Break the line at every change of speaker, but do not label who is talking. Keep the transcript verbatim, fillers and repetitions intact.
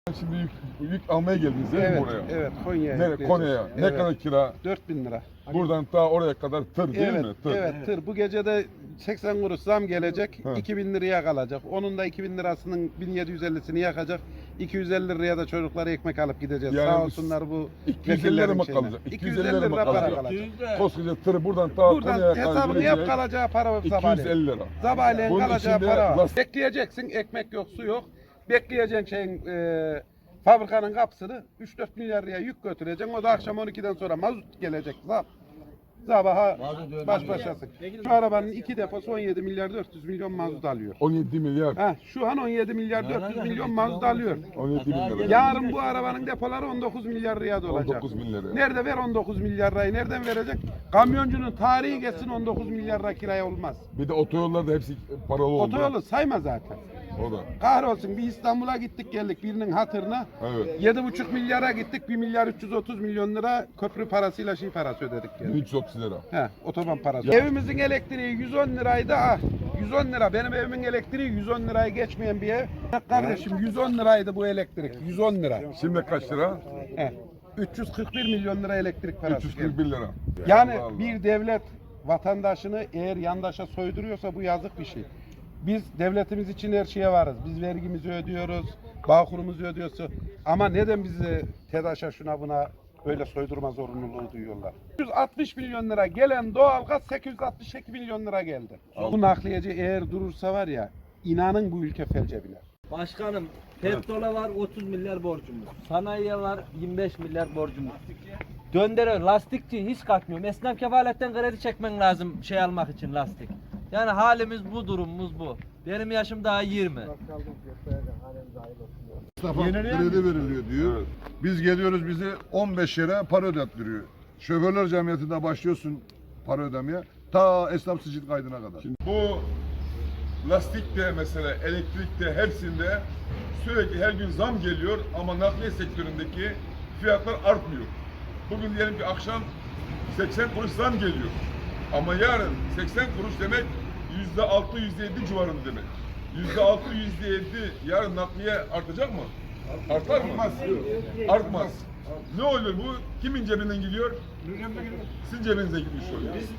Şimdi yük, yük almaya geldiniz değil
Evet,
mi buraya?
evet Konya'ya.
Nere,
yükleyeceğiz.
Konya'ya. Ne
Evet.
kadar kira?
dört bin lira.
Buradan ta oraya kadar tır değil
Evet,
mi? Tır.
evet tır. Bu gece de seksen kuruş zam gelecek.
Hı.
iki bin liraya kalacak. Onun da iki bin lirasının bin yedi yüz ellisini yakacak. iki yüz elli liraya da çocuklara ekmek alıp gideceğiz.
Yani
Sağ olsunlar bu
iki yüz elli lira mı
şeyine.
kalacak?
iki yüz elli lira para kalacak.
Koskoca tır buradan ta Konya'ya
Buradan
kadar
hesabını yap,
gelecek.
kalacağı para var
iki yüz
sabahleyin.
elli lira.
Sabahleyin
Bunun
kalacağı
içinde
para var.
last-
Bekleyeceksin, ekmek yok, su yok. Bekleyeceksin şeyin e, fabrikanın kapısını üç dört milyar liraya yük götüreceksin. O da akşam on ikiden sonra mazot gelecek. Zab. Sabaha baş başasın. Şu arabanın iki deposu on yedi milyar dört yüz milyon mazot alıyor.
on yedi milyar.
Ha, şu an on yedi milyar dört yüz milyon mazot alıyor.
on yedi bin lira.
Yarın bu arabanın depoları on dokuz milyar liraya dolacak.
on dokuz bin lira.
Nerede ver on dokuz milyar lirayı? Nereden verecek? Kamyoncunun tarihi geçsin on dokuz milyar lira kiraya olmaz.
Bir de otoyollar da hepsi paralı oldu.
Otoyolu sayma zaten.
O da.
Kahrolsun bir İstanbul'a gittik geldik birinin hatırına.
Evet.
Yedi buçuk milyara gittik bir milyar üç yüz otuz milyon lira köprü parasıyla şey parası ödedik geldik.
bin üç yüz otuz lira.
He, otoban parası. Evimizin elektriği yüz on liraydı. Ah, yüz on lira. Benim evimin elektriği yüz on lirayı geçmeyen bir ev. Kardeşim yüz on liraydı bu elektrik. yüz on lira.
Şimdi kaç lira?
He. üç yüz kırk bir milyon lira elektrik parası.
üç yüz kırk bir lira.
Yani
Allah Allah.
bir devlet vatandaşını eğer yandaşa soyduruyorsa bu yazık bir şey. Biz devletimiz için her şeye varız. Biz vergimizi ödüyoruz, bağkurumuzu ödüyoruz. Ama neden bizi TEDAŞ'a şuna buna böyle soydurma zorunluluğu duyuyorlar? yüz altmış milyon lira gelen doğalgaz sekiz yüz altmış iki milyon lira geldi. Bu nakliyeci eğer durursa var ya, inanın bu ülke felce biner.
Başkanım, petrola var otuz milyar borcumuz. Sanayiye var yirmi beş milyar borcumuz. Döndürüyor, lastikçi hiç kalkmıyor. Esnaf kefaletten kredi çekmen lazım şey almak için lastik. Yani halimiz bu, durumumuz bu. Benim yaşım daha yirmi.
Esnafa kredi veriliyor diyor. Biz geliyoruz bizi on beş yere para ödettiriyor. Şoförler Cemiyeti'nde başlıyorsun para ödemeye. Ta esnaf sicil kaydına kadar.
Şimdi bu lastikte mesela elektrikte hepsinde sürekli her gün zam geliyor ama nakliye sektöründeki fiyatlar artmıyor. Bugün diyelim ki akşam seksen kuruş zam geliyor. Ama yarın seksen kuruş demek yüzde altı yüzde yedi civarında demek. Yüzde altı yüzde yedi yarın nakliye artacak mı? Artar mı? Artmaz. Ne oluyor bu? Kimin cebinden gidiyor? Sizin cebinize gitmiş oluyor.